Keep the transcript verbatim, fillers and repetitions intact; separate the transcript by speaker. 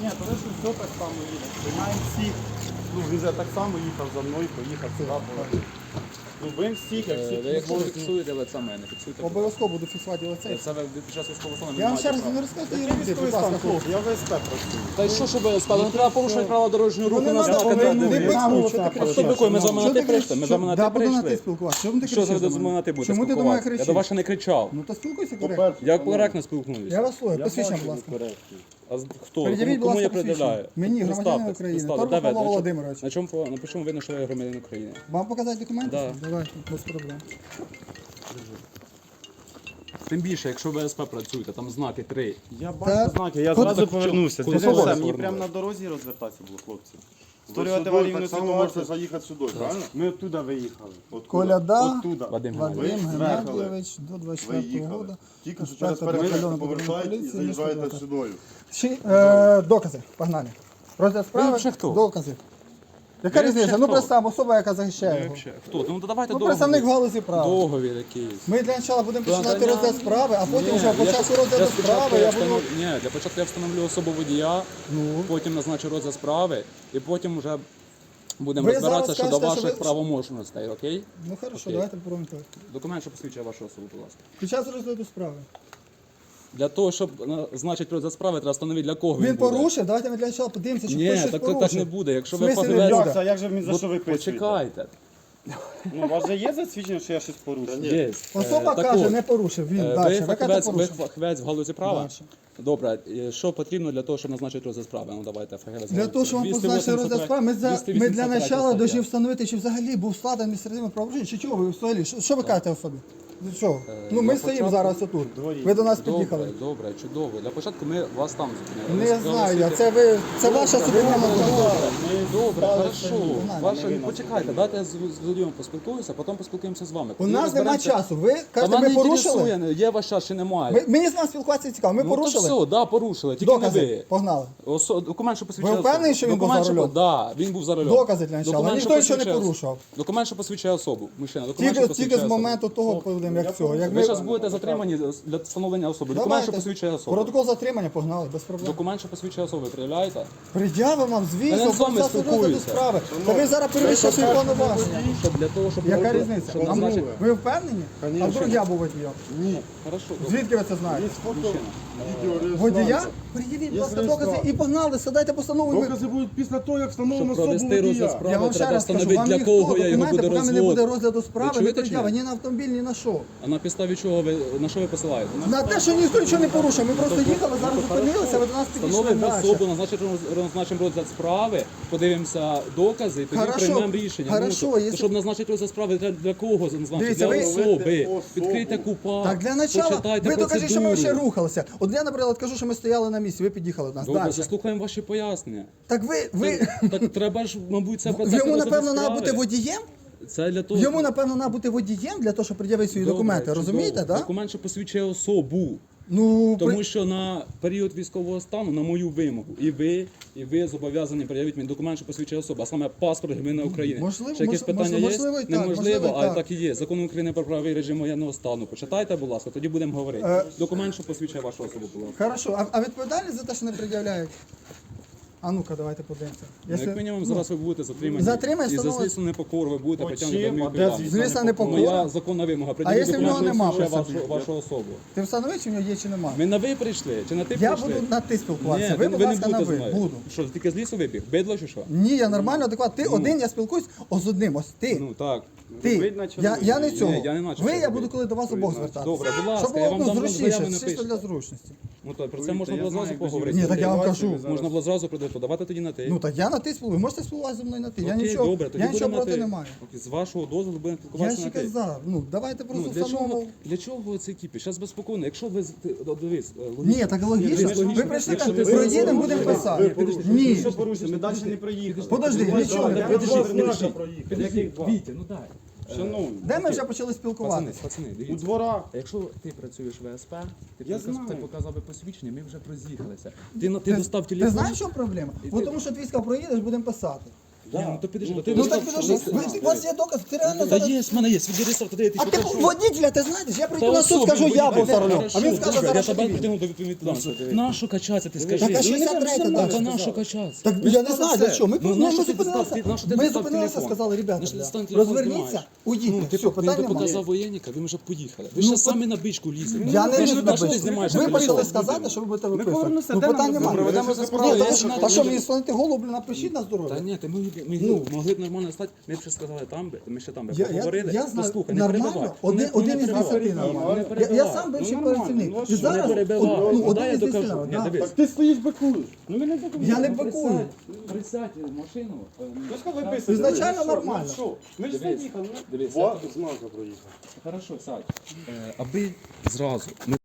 Speaker 1: Ні, то ви ж все так само їдете. Приймаємо всіх. Ну, він же так само їхав за мною, поїхав сюди. поїхав. Любим всіх, як всіх.
Speaker 2: Ви якщо ви фіксуєте лице мене, фіксуйте.
Speaker 3: Обов'язково буду фіксувати лице.
Speaker 2: Це ви під час військового стану
Speaker 3: Я вам ще раз
Speaker 2: права.
Speaker 3: не розказую,
Speaker 1: Я
Speaker 3: робити,
Speaker 1: військовий
Speaker 3: будь ласка,
Speaker 1: стан,
Speaker 3: хлопці.
Speaker 1: хлопці, я в ВСП працюю.
Speaker 2: Та й що, щоб ви сказали? Не треба порушувати правила дорожнього руху
Speaker 3: Ну,
Speaker 2: на
Speaker 3: не треба,
Speaker 2: знаках.
Speaker 3: ви
Speaker 2: де-
Speaker 3: не
Speaker 2: де-
Speaker 3: пикнув, що ти
Speaker 2: А
Speaker 3: кричиш?
Speaker 2: що такое? Ми з вами
Speaker 3: Що
Speaker 2: на
Speaker 3: ти
Speaker 2: ти прийшли? Ми з вами на
Speaker 3: Да,
Speaker 2: ти
Speaker 3: буду на ти
Speaker 2: прийшли.
Speaker 3: спілкуватися. Чому ти
Speaker 2: Що
Speaker 3: кричиш
Speaker 2: за
Speaker 3: до
Speaker 2: ви
Speaker 3: мене?
Speaker 2: на ти будете
Speaker 3: Чому ти до мене
Speaker 2: спілкуватися? Я
Speaker 3: кричиш?
Speaker 2: до вас ще не кричав.
Speaker 3: Ну то спілкуйся
Speaker 1: По-перше,
Speaker 3: коректно.
Speaker 2: Я коректно спілкуюся.
Speaker 3: Я вас слухаю,
Speaker 1: я
Speaker 3: посвідчення,
Speaker 1: бачу
Speaker 3: будь ласка.
Speaker 1: коректно.
Speaker 2: А з- хто?
Speaker 3: Передявіть,
Speaker 2: Кому,
Speaker 3: будь
Speaker 2: кому я
Speaker 3: ласка,
Speaker 2: пред'являю?
Speaker 3: посвідчення. Мені, громадянин
Speaker 2: Представтесь,
Speaker 3: України.
Speaker 2: представтесь.
Speaker 3: Торгов
Speaker 2: Де ви?
Speaker 3: Павло
Speaker 2: На чому-
Speaker 3: Володимирович.
Speaker 2: На чому по- напишемо видно, що ви громадянин України?
Speaker 3: Вам показати документи?
Speaker 2: Да.
Speaker 3: Давайте, без проблем.
Speaker 2: Тим більше, якщо ви ВСП працюєте, там знаки три.
Speaker 1: Я
Speaker 3: Та-
Speaker 1: бачу знаки, я
Speaker 3: Куди-
Speaker 1: зразу
Speaker 2: так
Speaker 1: повернувся.
Speaker 2: куди
Speaker 1: Дивіться,
Speaker 2: ви
Speaker 1: мені
Speaker 2: повернули?
Speaker 1: прямо на дорозі розвертатися було, хлопці.
Speaker 4: Ви
Speaker 1: Створювати
Speaker 4: сюди
Speaker 1: аварійну
Speaker 4: так само можете
Speaker 1: ситуацію.
Speaker 4: заїхати сюди, правильно?
Speaker 1: Ми оттуда виїхали.
Speaker 4: Откуда?
Speaker 3: Коляда,
Speaker 1: Оттуда.
Speaker 2: Вадим
Speaker 3: Вадим
Speaker 2: Геннадійович.
Speaker 3: Геннадійович, до двадцять
Speaker 4: Ви
Speaker 3: четвертого
Speaker 4: їхали.
Speaker 3: року.
Speaker 4: Тільки що через
Speaker 3: Інспектор
Speaker 4: перехрестя
Speaker 3: батальйону
Speaker 4: повертаєте і
Speaker 3: поліції
Speaker 4: заїжджаєте
Speaker 3: міста
Speaker 4: сюди.
Speaker 3: Чи, е, докази, погнали. Розгляд справи,
Speaker 2: взагалі хто?
Speaker 3: докази. Яка
Speaker 2: Ви
Speaker 3: різниця?
Speaker 2: взагалі
Speaker 3: Ну
Speaker 2: хто?
Speaker 3: представ, особа, яка захищає
Speaker 2: Ви
Speaker 3: його.
Speaker 2: взагалі Хто? Ну то давайте
Speaker 3: Ну,
Speaker 2: договір.
Speaker 3: представник в галузі права.
Speaker 2: Договір якийсь.
Speaker 3: Ми для початку будемо починати
Speaker 2: Надання-
Speaker 3: розгляд справи, а потім
Speaker 2: Ні,
Speaker 3: вже
Speaker 2: я
Speaker 3: по часу
Speaker 2: щас-
Speaker 3: розгляду
Speaker 2: я спочатку
Speaker 3: справи
Speaker 2: я
Speaker 3: я буду...
Speaker 2: встанов- Ні, для початку я встановлю особу водія,
Speaker 3: Ну.
Speaker 2: потім назначу розгляд справи, і потім вже будемо
Speaker 3: Ви
Speaker 2: розбиратися
Speaker 3: зараз
Speaker 2: щодо
Speaker 3: скажете, що
Speaker 2: ваших
Speaker 3: ви-
Speaker 2: правоможностей, окей?
Speaker 3: Ну хорошо,
Speaker 2: Окей.
Speaker 3: давайте попробуємо так.
Speaker 2: Документ, що посвідчує вашу особу, будь ласка.
Speaker 3: Під час розгляду справи.
Speaker 2: Для того, щоб назначити розгляд справи, треба встановити, для кого він,
Speaker 3: Він
Speaker 2: буде.
Speaker 3: порушив, давайте ми для початку подивимося, чи
Speaker 2: Ні,
Speaker 3: хтось щось
Speaker 2: так,
Speaker 3: порушив.
Speaker 2: так не буде. Якщо
Speaker 3: В
Speaker 2: ви
Speaker 3: смислі не
Speaker 2: поведете...
Speaker 3: буде?
Speaker 1: Як це? Як же ви за що ви
Speaker 2: От
Speaker 1: пишете?
Speaker 2: Почекайте.
Speaker 1: Ну, у вас же є засвідчення, що я щось порушив?
Speaker 2: Є.
Speaker 3: Особа
Speaker 2: Е, так
Speaker 3: каже,
Speaker 2: от,
Speaker 3: не порушив, він
Speaker 2: е,
Speaker 3: далі.
Speaker 2: Ви
Speaker 3: Ви кажете,
Speaker 2: фахівець, ви
Speaker 3: порушив.
Speaker 2: фахівець в галузі права?
Speaker 3: Дальше.
Speaker 2: Добре, е, що потрібно для того, щоб назначити розгляд справи? Ну давайте, фахівець.
Speaker 3: Для того, щоб вам позначити розгляд справи, ми, за, ми для начала повинні встановити, чи взагалі був складений адміністративне правопорушення, чи чого ви взагалі, що, що ви кажете особі? Для чого? Ну ми
Speaker 2: для
Speaker 3: стоїмо
Speaker 2: початку-
Speaker 3: зараз отут. Ви до нас
Speaker 2: Добре,
Speaker 3: під'їхали.
Speaker 2: добре, чудово. Для початку ми вас там зупинили.
Speaker 3: Не
Speaker 2: Ви
Speaker 3: знаю я,
Speaker 2: сказали,
Speaker 3: це ви, це ваша суб'єктивна думка.
Speaker 2: Добре, хорошо.
Speaker 3: знаю,
Speaker 2: Ваша... Почекайте, дайте я з з водієм поспілкуюся, потім поспілкуємося з вами.
Speaker 3: У нас нема часу. Ви
Speaker 2: Та
Speaker 3: кажете,
Speaker 2: мене
Speaker 3: ми порушили?
Speaker 2: інтересує, є ваш час чи немає.
Speaker 3: Ви- Мені з вами спілкуватися цікаво. Ми
Speaker 2: Ну
Speaker 3: порушили?
Speaker 2: то все, да, порушили, тільки не
Speaker 3: Докази.
Speaker 2: ви.
Speaker 3: Погнали.
Speaker 2: Осо... Документ, що посвідчує
Speaker 3: Ви впевнені,
Speaker 2: особу.
Speaker 3: що він був
Speaker 2: Документ,
Speaker 3: за
Speaker 2: що-
Speaker 3: рулем?
Speaker 2: Да, він був за рулем.
Speaker 3: Докази для начала.
Speaker 2: Документ,
Speaker 3: Ніхто нічого не
Speaker 2: посвідчує-
Speaker 3: порушував.
Speaker 2: Документ, що посвідчує особу. Мужчина, документ,
Speaker 3: Тільки,
Speaker 2: що
Speaker 3: тільки
Speaker 2: посвідчує
Speaker 3: з
Speaker 2: особу.
Speaker 3: моменту того, коли як цього. Як
Speaker 2: Ви
Speaker 3: ми...
Speaker 2: зараз будете затримані для встановлення особи. Документ, що посвідчує особу.
Speaker 3: Протокол затримання погнали, без проблем.
Speaker 2: Документ, що посвідчує особу, пред'являєте?
Speaker 3: Пред'явимо вам,
Speaker 2: Та
Speaker 3: звісно,
Speaker 2: я з вами
Speaker 3: процесу розгляду
Speaker 2: спілкуюся.
Speaker 3: справи. Та ви зараз перевищуєте свої повноваження.
Speaker 2: Щоб для того, щоб...
Speaker 3: Яка
Speaker 2: щоб
Speaker 3: різниця? А
Speaker 2: назначити-
Speaker 3: ви впевнені? А вдруг я був водієм?
Speaker 4: Ні.
Speaker 2: Хорошо, добре.
Speaker 3: Звідки ви це знаєте?
Speaker 4: Є фото, відео,
Speaker 3: Водія?
Speaker 4: реєстрація.
Speaker 3: Пред'явіть, будь
Speaker 4: Є
Speaker 3: ласка, докази
Speaker 4: реєстрація.
Speaker 3: і погнали, садайте постанову. і ми-
Speaker 4: Докази будуть після того, як
Speaker 2: Щоб
Speaker 4: встановлено особу
Speaker 2: провести розгляд
Speaker 4: водія.
Speaker 3: Я
Speaker 2: справи,
Speaker 3: вам ще
Speaker 2: треба
Speaker 3: раз кажу,
Speaker 2: встановити,
Speaker 3: вам
Speaker 2: для
Speaker 3: ніхто
Speaker 2: кого я його
Speaker 3: документи,
Speaker 2: буду
Speaker 3: поки не буде
Speaker 2: розводити.
Speaker 3: розгляду справи,
Speaker 2: Ви
Speaker 3: не
Speaker 2: чуєте чи
Speaker 3: пред'ява
Speaker 2: ні?
Speaker 3: ні на автомобіль, ні на що.
Speaker 2: А на підставі чого ви, на що ви посилаєте?
Speaker 3: На те, що ніхто нічого не порушив. Ми просто їхали, зараз зупинилися, ви до нас підійшли
Speaker 2: Встановимо
Speaker 3: далі.
Speaker 2: особу, назначимо, назначимо розгляд справи, подивимося докази і тоді
Speaker 3: Хорошо,
Speaker 2: приймемо рішення.
Speaker 3: хорошо,
Speaker 2: ну, то,
Speaker 3: якщо-
Speaker 2: щоб назначити розгляд справи, треба для кого назначити?
Speaker 3: Дивіться,
Speaker 2: Для
Speaker 3: ви-
Speaker 2: особи.
Speaker 4: Особу.
Speaker 2: Відкрийте купа,
Speaker 3: Так, для начала,
Speaker 2: почитайте
Speaker 3: ви докажіть, що ми
Speaker 2: процедуру.
Speaker 3: ще рухалися. От я, наприклад, кажу, що ми стояли на місці, ви під'їхали до нас.
Speaker 2: Добре,
Speaker 3: Далі.
Speaker 2: заслухаємо ваші пояснення.
Speaker 3: Так ви, ви...
Speaker 2: Так треба ж, мабуть, це процес
Speaker 3: Йому,
Speaker 2: розгляду
Speaker 3: напевно, треба
Speaker 2: справи.
Speaker 3: бути водієм?
Speaker 2: Це для того,
Speaker 3: Йому, напевно, треба бути водієм для того, щоб пред'явити свої
Speaker 2: Добре,
Speaker 3: документи,
Speaker 2: чудово.
Speaker 3: розумієте, так?
Speaker 2: Документ, що посвідчує особу.
Speaker 3: Ну,
Speaker 2: Тому
Speaker 3: при-
Speaker 2: що на період військового стану, на мою вимогу, і ви, і ви зобов'язані пред'явити мені документ, що посвідчує особу, а саме паспорт громадянина України.
Speaker 3: Можливо,
Speaker 2: Ще якісь
Speaker 3: мож-
Speaker 2: питання
Speaker 3: мож- можливо,
Speaker 2: є?
Speaker 3: і так,
Speaker 2: Неможливо,
Speaker 3: можливо, і
Speaker 2: але
Speaker 3: так.
Speaker 2: так і є. Закон України про правовий режим воєнного стану. Почитайте, будь ласка, тоді будемо говорити.
Speaker 3: Е,
Speaker 2: Документ, що посвідчує вашу особу, будь ласка.
Speaker 3: Хорошо, а, а відповідальність за те, що не пред'являють? А ну-ка, давайте подивимося.
Speaker 2: Ну, як мінімум, зараз ви будете затримані.
Speaker 3: Затримані,
Speaker 2: І за
Speaker 3: встановлено-
Speaker 2: злісну непокору ви будете
Speaker 1: По
Speaker 2: притягнути
Speaker 1: чим?
Speaker 2: до
Speaker 1: А де
Speaker 2: адмінвідповідальності.
Speaker 1: звісно
Speaker 3: Звісно, не покора.
Speaker 2: Моя законна вимога. Пред'явіть
Speaker 3: якщо в
Speaker 2: документ,
Speaker 3: нього
Speaker 2: що
Speaker 3: нема
Speaker 2: посвідчує
Speaker 3: при
Speaker 2: вашу, вашу особу.
Speaker 3: Ти встановив, чи в нього є, чи нема?
Speaker 2: Ми на ви прийшли? Чи на ти
Speaker 3: Я
Speaker 2: прийшли?
Speaker 3: буду на ти спілкуватися.
Speaker 2: Ні,
Speaker 3: ви,
Speaker 2: ви,
Speaker 3: будь
Speaker 2: ви не
Speaker 3: ласка, на
Speaker 2: будете
Speaker 3: ви.
Speaker 2: з мною.
Speaker 3: Буду.
Speaker 2: Що, тільки з лісу вибіг? Бидло чи що?
Speaker 3: Ні, я нормально, адекватно. Ти один, я спілкуюсь о, з одним. Ось ти.
Speaker 2: Ну так.
Speaker 3: Ти.
Speaker 1: ви начали
Speaker 3: Я, я не
Speaker 1: робити.
Speaker 3: цього.
Speaker 2: Ні, я не начав
Speaker 3: ви,
Speaker 2: це
Speaker 3: я
Speaker 2: робити.
Speaker 3: буду коли до вас обох звертатися.
Speaker 2: Добре, будь ласка,
Speaker 3: Щоб
Speaker 2: я
Speaker 3: було
Speaker 2: вам
Speaker 3: ну,
Speaker 2: дам
Speaker 3: зручніше,
Speaker 2: заяви
Speaker 3: чисто
Speaker 2: напишу.
Speaker 3: для зручності.
Speaker 2: Ну так, про це
Speaker 1: Повірте,
Speaker 2: можна
Speaker 1: я
Speaker 2: було
Speaker 1: знаю,
Speaker 2: зразу
Speaker 1: без
Speaker 2: поговорити.
Speaker 3: Ні, так я вам
Speaker 1: Бачите,
Speaker 3: кажу.
Speaker 1: ви зараз-
Speaker 2: Можна було зразу прийти, давайте тоді на ти.
Speaker 3: Ну так я на ти спілкую. Можете спілкуватися зі мною на ти. Я
Speaker 2: Окей,
Speaker 3: нічого,
Speaker 2: добре, тоді
Speaker 3: я нічого
Speaker 2: будемо на
Speaker 3: проти
Speaker 2: ти.
Speaker 3: не маю.
Speaker 2: Окей, з вашого дозволу будемо
Speaker 3: Я
Speaker 2: спілкуватися
Speaker 3: ще
Speaker 2: на ти.
Speaker 3: казав. Ну давайте
Speaker 2: Ну,
Speaker 3: просто
Speaker 2: для чого,
Speaker 3: встановимо.
Speaker 2: для чого це кіпіш? Зараз безпокійно. Якщо ви, з- ти, о, дивись, е, логічно.
Speaker 3: Ні, так логічно.
Speaker 2: Дивись,
Speaker 3: Ви
Speaker 2: логічно.
Speaker 3: прийшли
Speaker 2: Якщо
Speaker 3: так,
Speaker 2: ти
Speaker 3: проїдемо,
Speaker 2: зробиш-
Speaker 3: будемо
Speaker 2: ви-
Speaker 3: писати.
Speaker 2: ви підожди,
Speaker 3: Ні.
Speaker 1: Що порушили? Ми далі не проїхали.
Speaker 3: Подожди, нічого.
Speaker 1: Де
Speaker 2: Підожди,
Speaker 1: два
Speaker 2: підожди,
Speaker 1: знака проїхали?
Speaker 2: підожди,
Speaker 1: Яких два?
Speaker 2: Вітя, ну дай.
Speaker 1: Шановні,
Speaker 3: Де ми вже почали
Speaker 2: Пацани,
Speaker 3: спілкуватися?
Speaker 2: пацани,
Speaker 1: у
Speaker 2: дивіться.
Speaker 1: дворах.
Speaker 2: А якщо ти працюєш в ВСП, ти,
Speaker 1: Я
Speaker 2: показ-
Speaker 1: знаю.
Speaker 2: ти показав би посвідчення, ми вже роз'їхалися. Ти, на- ти,
Speaker 3: Ти,
Speaker 2: достав
Speaker 3: ти
Speaker 2: телефон.
Speaker 3: знаєш, що проблема?
Speaker 2: І
Speaker 3: Бо
Speaker 2: ти-
Speaker 3: тому що твійська проїдеш, будемо писати.
Speaker 2: Ні, ну то підожди, то ти
Speaker 3: Ну
Speaker 2: не
Speaker 3: так
Speaker 2: став-
Speaker 3: підожди,
Speaker 2: став-
Speaker 3: ви- у вас є доказ, ти реально
Speaker 2: Та
Speaker 3: зараз...
Speaker 2: є, в мене є, відреєстров, туди ти
Speaker 3: А ти
Speaker 2: покажу.
Speaker 3: водителя, ти знаєш? Я прийду
Speaker 2: Та
Speaker 3: на суд,
Speaker 2: особи
Speaker 3: скажу, я був
Speaker 2: водителя.
Speaker 3: за рулем.
Speaker 2: Хорошо,
Speaker 3: А він скаже
Speaker 2: добре,
Speaker 3: зараз,
Speaker 2: я
Speaker 3: що
Speaker 2: тебе
Speaker 3: ти.
Speaker 2: притягну до відповідальності. Нащо качатися, ти скажи?
Speaker 3: Так, а
Speaker 2: Ну,
Speaker 3: шістдесят третя
Speaker 2: Та
Speaker 3: далі
Speaker 2: нащо
Speaker 3: сказала.
Speaker 2: качатися?
Speaker 3: Так я не знаю, для чого. Ми,
Speaker 2: Ну,
Speaker 3: ми,
Speaker 2: на що
Speaker 3: ми
Speaker 2: ти
Speaker 3: зупинилися,
Speaker 2: достав- на що ти
Speaker 3: ми
Speaker 2: достав
Speaker 3: зупинилися,
Speaker 2: телефон?
Speaker 3: сказали, ребята,
Speaker 2: На що ти
Speaker 3: бля,
Speaker 2: достав телефон,
Speaker 3: розверніться,
Speaker 2: знімаєш?
Speaker 3: уйдіть,
Speaker 2: Ну, ти,
Speaker 3: все,
Speaker 2: він
Speaker 3: питань
Speaker 2: би
Speaker 3: немає.
Speaker 2: показав воєнника, ви вже поїхали. Ви
Speaker 3: Ну,
Speaker 2: ще
Speaker 3: по-
Speaker 2: самі на бичку лізете.
Speaker 3: Я не
Speaker 2: Ви ж
Speaker 3: лізу
Speaker 2: на
Speaker 3: на
Speaker 2: що ти
Speaker 3: бичку.
Speaker 2: знімаєш
Speaker 3: Ви
Speaker 2: телефон?
Speaker 3: почали сказати, що ви будете виписувати.
Speaker 1: повернемося,
Speaker 3: Ну
Speaker 1: де нам
Speaker 3: питань
Speaker 1: розмовляти?
Speaker 3: немає.
Speaker 2: Проведемо за справу.
Speaker 3: Ні,
Speaker 2: Я
Speaker 3: та
Speaker 2: ж на-
Speaker 3: що- Та що мені слонити голову, блін, напишіть на
Speaker 2: Та
Speaker 3: здоров'я.
Speaker 2: ні, ти ми, ми
Speaker 3: Ну.
Speaker 2: могли б нормально стати, ми б ще сказали там би, ми ще там би
Speaker 3: Я, я,
Speaker 2: поговорили.
Speaker 3: я знаю,
Speaker 2: Послухай, не
Speaker 3: нормально,
Speaker 2: перебивай.
Speaker 3: один,
Speaker 2: Не-
Speaker 3: один
Speaker 2: не
Speaker 3: із
Speaker 2: перебивай.
Speaker 3: десяти нормально.
Speaker 2: Не
Speaker 3: Я,
Speaker 2: перебивай.
Speaker 3: я сам бивший
Speaker 1: Ну, нормально,
Speaker 3: працівник.
Speaker 1: ну, а
Speaker 3: І
Speaker 1: що?
Speaker 3: зараз,
Speaker 2: Не перебивай.
Speaker 3: од- ну,
Speaker 2: Ну,
Speaker 3: один
Speaker 2: дай я
Speaker 3: із десяти
Speaker 2: докажу. Ні,
Speaker 3: нормально.
Speaker 2: дивись.
Speaker 1: Так ти стоїш бикуєш. Ну ми не бикуємо.
Speaker 3: Я не
Speaker 2: Ну,
Speaker 3: бикую.
Speaker 2: Присядь, присядь в машину. е,
Speaker 1: Ну що ви писаєте?
Speaker 3: Ізначально
Speaker 1: Ну, що?
Speaker 3: нормально.
Speaker 1: Ну, що? Ми ж
Speaker 2: Дивись,
Speaker 1: заїхали.
Speaker 2: дивись,
Speaker 1: Два
Speaker 2: я-
Speaker 1: знака проїхали.
Speaker 2: Хорошо, сядь. Е, Аби зразу ми